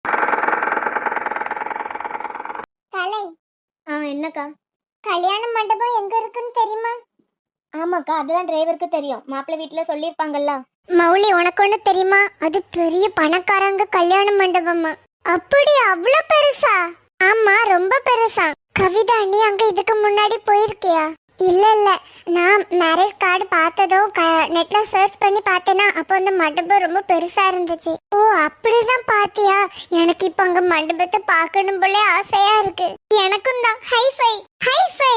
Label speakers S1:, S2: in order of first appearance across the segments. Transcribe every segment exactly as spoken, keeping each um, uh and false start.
S1: கலை.
S2: ஆ என்னக்கா?
S1: கல்யாண மண்டபம் எங்க இருக்குன்னு தெரியுமா?
S2: ஆமாக்கா, அதெல்லாம் டிரைவருக்கு தெரியும். மாப்பிள்ளை வீட்டுல சொல்லியிருப்பாங்கல்ல.
S1: மௌலி, உனக்கு ஒண்ணு தெரியுமா? அது பெரிய பணக்காரங்க கல்யாண மண்டபமா. அப்படி அவ்வளவு பெருசா? ஆமா, ரொம்ப பெருசா. கவிதா, நீ அங்க இதுக்கு முன்னாடி போயிருக்கியா? இல்ல இல்ல, நான் மேரேஜ் கார்டு பார்த்ததும் நெட்ல சர்ச் பண்ணி பார்த்தேனா, அப்போ அந்த மண்டபம் ரொம்ப பெருசா இருந்துச்சு. ஓ, அப்படிதான் பாத்தியா? எனக்கு இப்ப அங்க மண்டபத்தை பார்க்கணும் போல ஆசையா இருக்கு. எனக்கும் தான். Hi fi hi fi.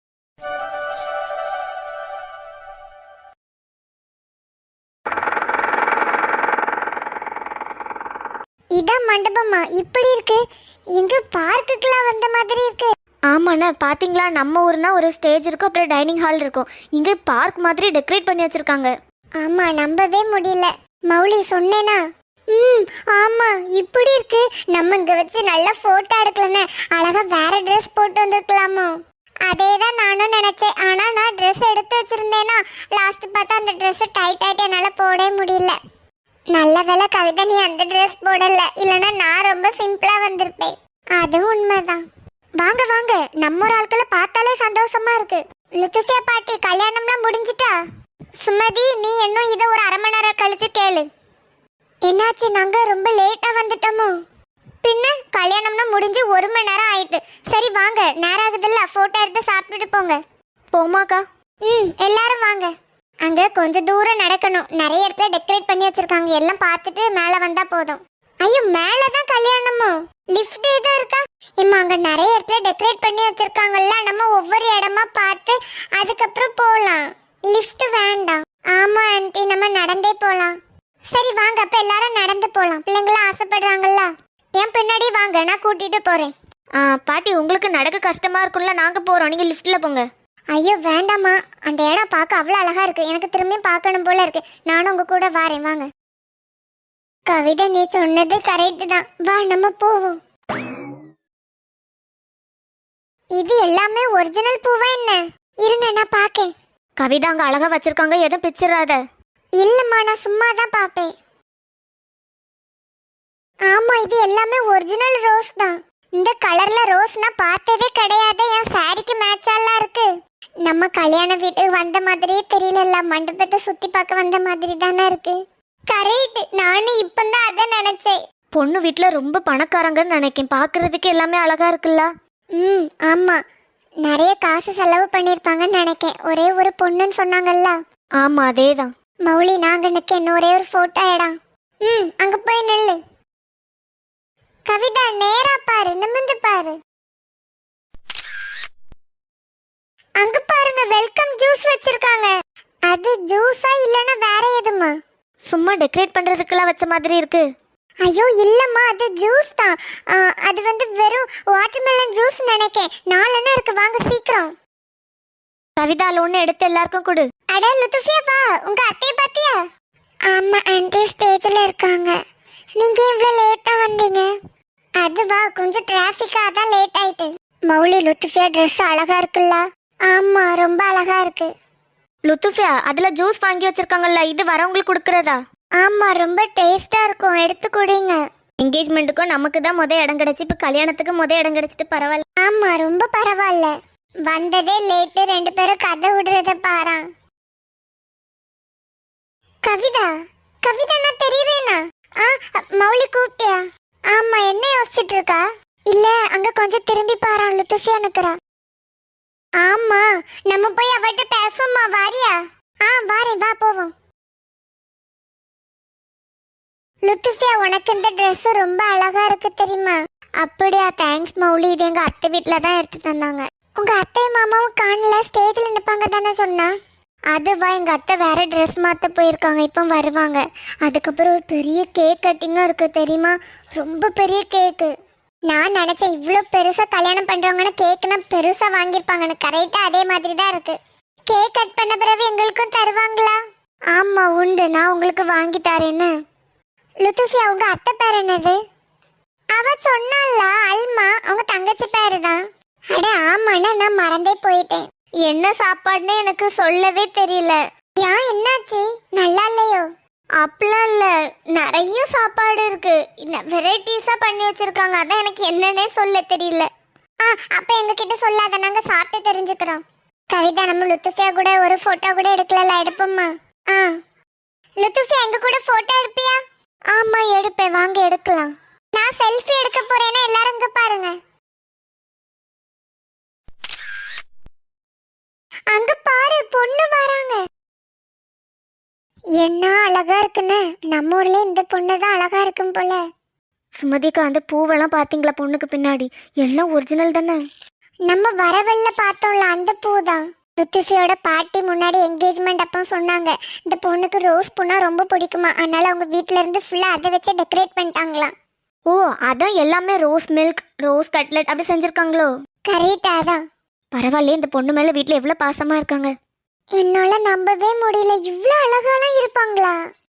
S1: இதான் மண்டபமா? இப்படி இருக்கு. எங்க பார்க்குக்குலாம் வந்த மாதிரி இருக்கு.
S2: ஆமாண்ணா, பாத்தீங்களா? நம்ம ஊர்னா ஒரு ஸ்டேஜ் இருக்கும், அப்புறம் டைனிங் ஹால் இருக்கும். இங்க பார்க் மாதிரி டெக்கரேட் பண்ணி வச்சிருக்காங்க.
S1: ஆமா, நம்பவே முடியல. மௌலி, சொன்னேனா? ம், ஆமா, இப்படி இருக்கு. நம்ம இங்க வச்சு நல்லா போட்டோ எடுக்கலன்னு அழகா வேற ட்ரெஸ் போட்டு வந்திருக்கலாமோ? அதேதான் நானும் நினைச்சேன். ஆனா நான் ட்ரெஸ் எடுத்து வச்சிருந்தேனா, லாஸ்ட் பார்த்தா அந்த ட்ரெஸ் டைட் ஆயிட்டு என்னால போடவே முடியல. நல்ல வேலை கவிதா, நீ அந்த ட்ரெஸ் போடல. இல்லைன்னா நான் ரொம்ப சிம்பிளா வந்திருப்பேன். அதுவும் உண்மைதான். வாங்க வாங்க, நம்ம ஒரு ஆட்களை பார்த்தாலே சந்தோஷமா இருக்கு. லுத்துசியா பாட்டி, கல்யாணம்லாம் முடிஞ்சிட்டா? சுமதி, நீ இன்னும் இதை ஒரு அரை மணி நேரம் கழிச்சு கேளு. என்னாச்சு, நாங்க ரொம்ப லேட்டா வந்துட்டோமோ? பின்ன கல்யாணம்னா முடிஞ்சு ஒரு மணி நேரம் ஆயிட்டு. சரி வாங்க, நேரம் ஆகுதுல்ல, போட்டோ எடுத்து சாப்பிட்டுட்டு போங்க.
S2: போமாக்கா?
S1: ம், எல்லாரும் வாங்க. அங்க கொஞ்சம் தூரம் நடக்கணும். நிறைய இடத்துல டெக்கரேட் பண்ணி வச்சிருக்காங்க. எல்லாம் பார்த்துட்டு மேல வந்தா போதும். ஐயோ, மேலதான் கல்யாணமோ? லிஃப்ட் ஏதோ இருக்கா? இம்மா, அங்க நிறைய இடத்துல டெக்கரேட் பண்ணி வச்சிருக்காங்கல்ல, நம்ம ஒவ்வொரு இடமா பார்த்து அதுக்கப்புறம் போலாம். லிஃப்ட் வேண்டாம். ஆமா ஆன்ட்டி, நம்ம நடந்தே போலாம். சரி வாங்க, அப்ப எல்லாரும் நடந்து போலாம். பிள்ளைங்களாம் ஆசைப்படுறாங்கல்ல. என் பின்னாடி வாங்க, நான் கூட்டிட்டு போறேன்.
S2: ஆ பாட்டி, உங்களுக்கு நடக்க கஷ்டமா இருக்கும்ல, நாங்க போறோம், நீங்க லிஃப்ட்ல போங்க.
S1: ஐயோ வேண்டாமா, அந்த இடம் பார்க்க அவ்வளோ அழகா இருக்கு. எனக்கு திரும்பி பார்க்கணும் போல இருக்கு. நானும் உங்க கூட வாரேன், வாங்க. கவிதா, நீ சொன்னது கரெக்ட் தான். வா, நம்ம போவோம். இது எல்லாமே ஒரிஜினல் பூவா என்ன? இருங்க, நான் பாக்கேன்.
S2: கவிதா, அங்க அழகா வச்சிருக்காங்க, எதுவும் பிச்சிடாத.
S1: இல்லம்மா, நான் சும்மா தான் பாப்பேன். ஆமா, இது எல்லாமே ஒரிஜினல் ரோஸ் தான். இந்த கலர்ல ரோஸ் நான் பார்த்ததே கிடையாது. என் சாரிக்கு மேட்சாலாம் இருக்கு. நம்ம கல்யாண வீட்டுக்கு வந்த மாதிரியே தெரியல. மண்டபத்தை சுத்தி பார்க்க வந்த மாதிரி தானே இருக்கு. கரெக்ட், நானும் இப்பதான் அதை நினைச்சேன்.
S2: பொண்ணு வீட்டுல ரொம்ப பணக்காரங்கன்னு நினைக்கேன். பாக்குறதுக்கு எல்லாமே அழகா இருக்குல்ல.
S1: ம், ஆமா, நிறைய காசு செலவு பண்ணிருப்பாங்கன்னு நினைக்கேன். ஒரே ஒரு பொண்ணுன்னு சொன்னாங்கல்ல.
S2: ஆமா, அதேதான்.
S1: மௌலி, நாங்க நிக்க இன்னும் ஒரே ஒரு போட்டோ இடம். ம், அங்க போய் நில்லு. கவிதா, நேரா பாரு, நிமிந்து பாரு. அங்க பாருங்க, வெல்கம் ஜூஸ் வச்சிருக்காங்க. அது ஜூஸா இல்லனா வேற எதுமா?
S2: சும்மா டெக்கரேட் பண்றதுக்குலாம் வச்ச மாதிரி இருக்கு.
S1: ஐயோ இல்லம்மா, அது ஜூஸ் தான். அது வந்து வெறும் வாட்டர்மெலன் ஜூஸ் நினைக்கேன். நாலெண்ணா இருக்கு, வாங்க சீக்கிரம்.
S2: கவிதால ஒண்ணு எடுத்து எல்லாருக்கும் கொடு.
S1: அட லுத்துசியா, வா, உங்க அத்தைய பாத்தியா? ஆமா ஆன்ட்டி, ஸ்டேஜ்ல இருக்காங்க. நீங்க இவ்வளவு லேட்டா வந்தீங்க? அதுவா, கொஞ்சம் டிராஃபிக்கா தான் லேட் ஆயிட்டு. மௌலி, லுத்துசியா ட்ரெஸ் அழகா இருக்குல்ல? ஆமா, ரொம்ப அழகா இருக்கு.
S2: லுத்துஃபியா, அதுல ஜூஸ் வாங்கி வச்சிருக்காங்கல்ல, இது வரவங்களுக்கு கொடுக்கறதா?
S1: ஆமா, ரொம்ப டேஸ்டா இருக்கும், எடுத்து குடிங்க.
S2: என்கேஜ்மெண்ட்டுக்கும் நமக்கு தான் முத இடம் கிடைச்சி, இப்ப கல்யாணத்துக்கு முத இடம் கிடைச்சிட்டு பரவாயில்ல.
S1: ஆமா, ரொம்ப பரவாயில்ல. வந்ததே லேட்டு, ரெண்டு பேரும் கதை விடுறத பாரா. கவிதா, கவிதா, நான் தெரியவேனா? ஆ, மௌலி கூப்பிட்டியா? ஆமா, என்ன யோசிச்சுட்டு இருக்கா? இல்ல, அங்க கொஞ்சம் திரும்பி பாரா, லுத்துசியா நிக்கிறா. ஆமா, நம்ம போய் அவட்ட பேசுவோமா? வாரியா? ஆ, வாரேன், வா போவோம். லுத்துசியா, உனக்கு இந்த ட்ரெஸ் ரொம்ப அழகா இருக்கு தெரியுமா? அப்படியா, தேங்க்ஸ் மௌலி. இது எங்க அத்தை வீட்டுல தான் எடுத்து தந்தாங்க. உங்க அத்தை மாமாவும் காணல, ஸ்டேஜ்ல நிப்பாங்க தானே சொன்னா? அதுவா, எங்க அத்தை வேற ட்ரெஸ் மாத்த போயிருக்காங்க, இப்போ வருவாங்க. அதுக்கப்புறம் ஒரு பெரிய கேக் கட்டிங்கும் இருக்கு தெரியுமா? ரொம்ப பெரிய கேக்கு. நான் நினைச்சேன் இவ்வளோ பெருசா கல்யாணம் பண்றவங்கன்னு கேக்குனா பெருசா வாங்கியிருப்பாங்கன்னு. கரெக்டா அதே மாதிரி தான் இருக்கு. கேக் கட் பண்ண பிறகு எங்களுக்கும் தருவாங்களா? ஆமா உண்டு, நான் உங்களுக்கு வாங்கி தரேன்னு. லுத்துசியா, உங்க அத்தை பேர் என்னது? அவ சொன்னால அல்மா, அவங்க தங்கச்சி பேரு தான். அட ஆமாண்ணா, நான் மறந்தே போயிட்டேன். என்ன சாப்பாடுன்னு எனக்கு சொல்லவே தெரியல. ஏன், என்னாச்சு? நல்லா இல்லையோ? அப்படிலாம் இல்லை, நிறைய சாப்பாடு இருக்கு, வெரைட்டிஸா பண்ணி வச்சிருக்காங்க. அதான் எனக்கு என்னன்னே சொல்ல தெரியல. ஆ அப்ப எங்ககிட்ட சொல்லாத, நாங்க சாப்பிட்டு தெரிஞ்சுக்கிறோம். கவிதா, நம்ம லுத்துஃபியா கூட ஒரு போட்டோ கூட எடுக்கல, எடுப்போம்மா? ஆ லுத்துஃபியா எங்க கூட போட்டோ எடுப்பியா? ஆமா எடுப்பேன், வாங்க எடுக்கலாம். நான் செல்ஃபி எடுக்க போறேன்னா எல்லாரும் இங்க பாருங்க. அங்க பாரு, பொண்ணு வராங்க. என்ன அழகா இருக்குன்னு, நம்ம ஊர்ல இந்த பொண்ணு தான் அழகா இருக்கும் போல.
S2: சுமதிக்கா, அந்த பூவெல்லாம் பார்த்தீங்களா பொண்ணுக்கு பின்னாடி? எல்லாம் ஒரிஜினல் தானே?
S1: நம்ம வரவெல்ல பார்த்தோம்ல, அந்த பூ தான். லுத்துஃபியோட பாட்டி முன்னாடி என்கேஜ்மெண்ட் அப்போ சொன்னாங்க, இந்த பொண்ணுக்கு ரோஸ் பூனா ரொம்ப பிடிக்குமா, அதனால அவங்க வீட்ல இருந்து ஃபுல்லா அதை வச்சு டெக்கரேட் பண்ணிட்டாங்களாம்.
S2: ஓ, அதான் எல்லாமே ரோஸ் மில்க், ரோஸ் கட்லெட் அப்படி செஞ்சுருக்காங்களோ?
S1: கரெக்டா தான்.
S2: பரவாயில்லையே, இந்த பொண்ணு மேலே வீட்டில் எவ்வளோ பாசமாக இருக்காங்க.
S1: என்னால நம்பவே முடியல, இவ்வளோ அழகாலாம் இருப்பாங்களா?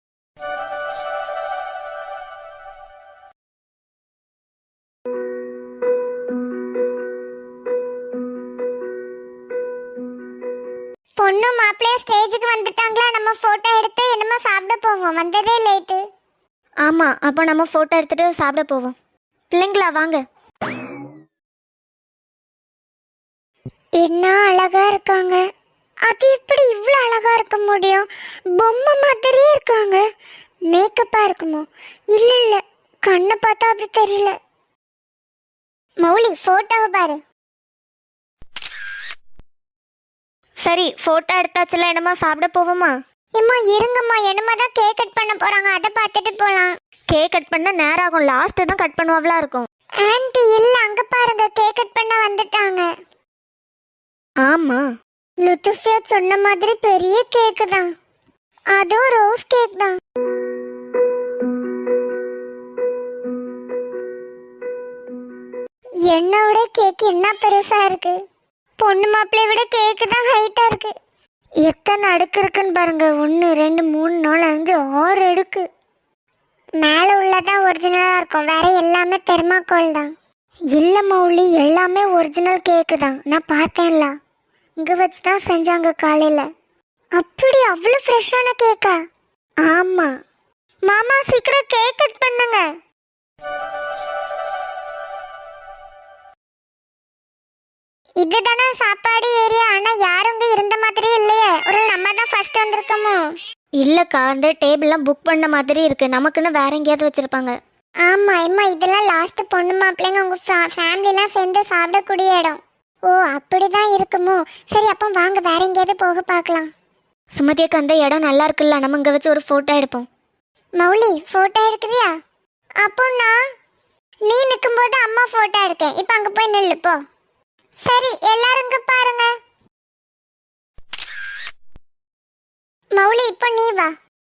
S1: பொண்ணு மாப்பிள்ளைய ஸ்டேஜுக்கு வந்துட்டாங்களா? நம்ம போட்டோ எடுத்து என்னமோ சாப்பிட போவோம், வந்ததே லேட்டு.
S2: ஆமாம், அப்போ நம்ம ஃபோட்டோ எடுத்துகிட்டு சாப்பிட போவோம். பிள்ளைங்களா வாங்க.
S1: என்ன அழகா இருக்காங்க. அது எப்படி இவ்வளோ அழகா இருக்க முடியும்? பொம்மை மாதிரியே இருக்காங்க. மேக்கப்பா இருக்குமோ? இல்ல இல்ல, கண்ணை பார்த்தா அப்படி தெரியல. மௌலி, போட்டோவை பாரு.
S2: சரி, ஃபோட்டோ எடுத்தாச்சுல, என்னமா சாப்பிட போவோமா?
S1: ஏம்மா இருங்கம்மா, என்னமா தான் கேக் கட் பண்ண போறாங்க, அதை பார்த்துட்டு போலாம்.
S2: கேக் கட் பண்ண நேரம் ஆகும், லாஸ்ட்டு தான் கட் பண்ணுவாங்களா இருக்கும்.
S1: ஆன்ட்டி இல்ல, அங்க பாருங்க, கேக் கட் பண்ண வந்துட்டாங்க.
S2: ஆமா,
S1: லுத்துஃபியா சொன்ன மாதிரி பெரிய கேக் தான், அதுவும் ரோஸ் கேக் தான். என்னோட கேக் என்ன பெருசா இருக்கு. பொண்ணு மாப்பிள்ளைய விட கேக்கு தான் ஹைட்டா இருக்கு. எத்தனை அடுக்கு இருக்குன்னு பாருங்க. ஒன்று ரெண்டு மூணு நாலு அஞ்சு ஆறு அடுக்கு. மேலே உள்ளதான் ஒரிஜினலாக இருக்கும், வேற எல்லாமே தெர்மாக்கோல் தான். இல்லை மௌலி, எல்லாமே ஒரிஜினல் கேக்கு தான், நான் பார்த்தேன்ல. இங்கே வச்சு தான் செஞ்சாங்க காலையில். அப்படி அவ்வளோ ஃப்ரெஷ்ஷான கேக்கா? ஆமாம். மாமா சீக்கிரம் கேக் கட் பண்ணுங்க. இதுதானே சாப்பாடு ஏரியா, ஆனால் யாரும் இங்கே இருந்த மாதிரியே இல்லையே. ஒரு நம்ம தான் ஃபர்ஸ்ட் வந்திருக்கோமோ?
S2: இல்லைக்கா, அந்த டேபிள்லாம் புக் பண்ண மாதிரி இருக்கு, நமக்குன்னு வேற எங்கேயாவது வச்சிருப்பாங்க.
S1: ஆமா அம்மா, இதெல்லாம் லாஸ்ட் பொண்ணு மாப்பிள்ளைங்க உங்க ஃபேமிலிலாம் சேர்ந்து சாப்பிடக்கூடிய இடம். ஓ அப்படிதான் இருக்குமோ? சரி, அப்போ வாங்க வேற எங்கேயாவது போக பார்க்கலாம்.
S2: சுமதியக்கா, அந்த இடம் நல்லா இருக்குல்ல, நம்ம இங்கே வச்சு ஒரு ஃபோட்டோ எடுப்போம்.
S1: மௌலி, ஃபோட்டோ எடுக்குறியா? அப்போ நான் நீ நிற்கும்போது அம்மா ஃபோட்டோ எடுக்கேன், இப்போ அங்கே போய் நில்லு போ. சரி, எல்லாரும் இங்கே பாருங்க. மௌலி, இப்போ நீ வா.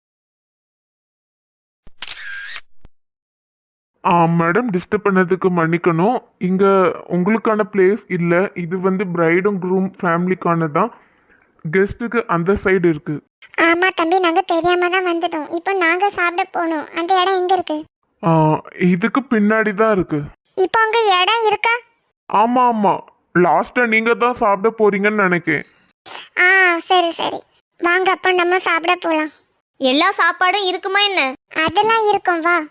S3: ஆ மேடம், டிஸ்டர்ப் பண்ணதுக்கு மன்னிக்கணும். இங்கே உங்களுக்கான பிளேஸ் இல்லை, இது வந்து பிரைடும் க்ரூம் ஃபேமிலிக்கான தான். கெஸ்ட்டுக்கு அந்த சைடு இருக்கு.
S1: ஆமா தம்பி, நாங்க தெரியாம தான் வந்துட்டோம். இப்போ நாங்க சாப்பிட போகணும். அந்த இடம் எங்க இருக்கு?
S3: ஆ இதுக்கு பின்னாடி தான் இருக்கு.
S1: இப்போ அங்க இடம் இருக்கா?
S3: ஆமாம் ஆமாம், லாஸ்ட்டாக நீங்கள் தான் சாப்பிட போறீங்கன்னு நினைக்கிறேன்.
S1: ஆ சரி சரி, வாங்க அப்போ நம்ம சாப்பிட போகலாம்.
S2: எல்லா சாப்பாடும் இருக்குமா என்ன?
S1: அதெல்லாம் இருக்கும், வா.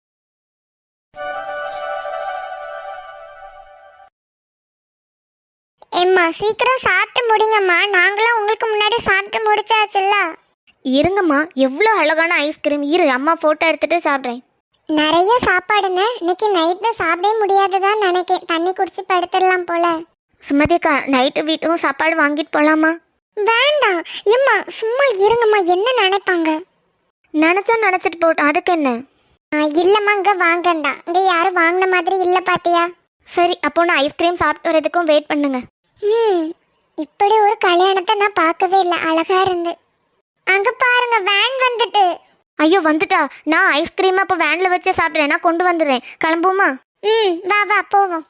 S1: எம்மா சீக்கிரம் சாப்பிட்டு முடிங்கம்மா, நாங்களும் உங்களுக்கு முன்னாடி சாப்பிட்டு முடிச்சாச்சுல்ல.
S2: இருங்கம்மா, எவ்வளோ அழகான ஐஸ்கிரீம். இரு, அம்மா ஃபோட்டோ எடுத்துட்டு சாப்பிட்றேன்.
S1: நிறைய சாப்பாடுன்னு இன்னைக்கு நைட்டு சாப்பிடவே முடியாதுதான் நினைக்கிறேன். தண்ணி குடிச்சு படுத்துடலாம் போல.
S2: சுமதிக்கா, நைட்டு வீட்டும் சாப்பாடு வாங்கிட்டு போகலாமா?
S1: வேண்டாம் எம்மா, சும்மா இருங்கம்மா, என்ன நினைப்பாங்க?
S2: நினச்சா நினச்சிட்டு போட்டோம், அதுக்கு என்ன?
S1: இல்லம்மா, இங்க வாங்கண்டா, இங்க யாரும் வாங்கின மாதிரி இல்ல பாத்தியா?
S2: சரி, அப்போ நான் ஐஸ்கிரீம் சாப்பிட்டு வரதுக்கும் வெயிட் பண்ணுங்க.
S1: ம் இப்படி ஒரு கல்யாணத்தை நான் பார்க்கவே இல்லை, அழகா இருந்து. அங்க பாருங்க, வேன் வந்துட்டு.
S2: ஐயோ, வந்துட்டா? நான் ஐஸ்கிரீம் அப்போ வேனில் வச்சே சாப்பிட்றேன், நான் கொண்டு வந்துடுறேன். கிளம்புமா?
S1: ம் வா வா போவோம்.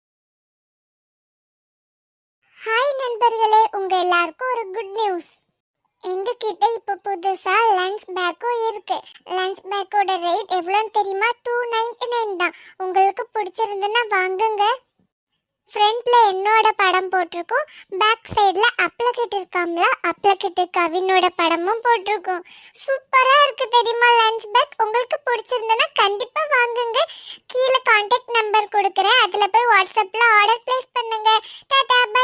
S1: ஹாய் நண்பர்களே, உங்க எல்லாருக்கும் ஒரு குட் நியூஸ். எங்க கிட்ட இப்போ புதுசா லஞ்ச் பேக்கும் இருக்கு. லஞ்ச் பேக்கோட ரேட் எவ்வளோன்னு தெரியுமா? டூ நைன்டி நைன் தான். உங்களுக்கு பிடிச்சிருந்துன்னா வாங்குங்க. ஃப்ரண்ட்ல என்னோட படம் போட்டிருக்கோம், பேக் சைடுல அப்ளகிட் இருக்காம்ல, அப்ளகிட் கவினோட படமும் போட்டிருக்கோம். சூப்பரா இருக்கு தெரியுமா லஞ்ச் பேக். உங்களுக்கு பிடிச்சிருந்தனா கண்டிப்பா வாங்குங்க. கீழே கான்டாக்ட் நம்பர் கொடுக்குறேன், அதுல போய் வாட்ஸ்அப்ல ஆர்டர் பிளேஸ் பண்ணுங்க. டாடா.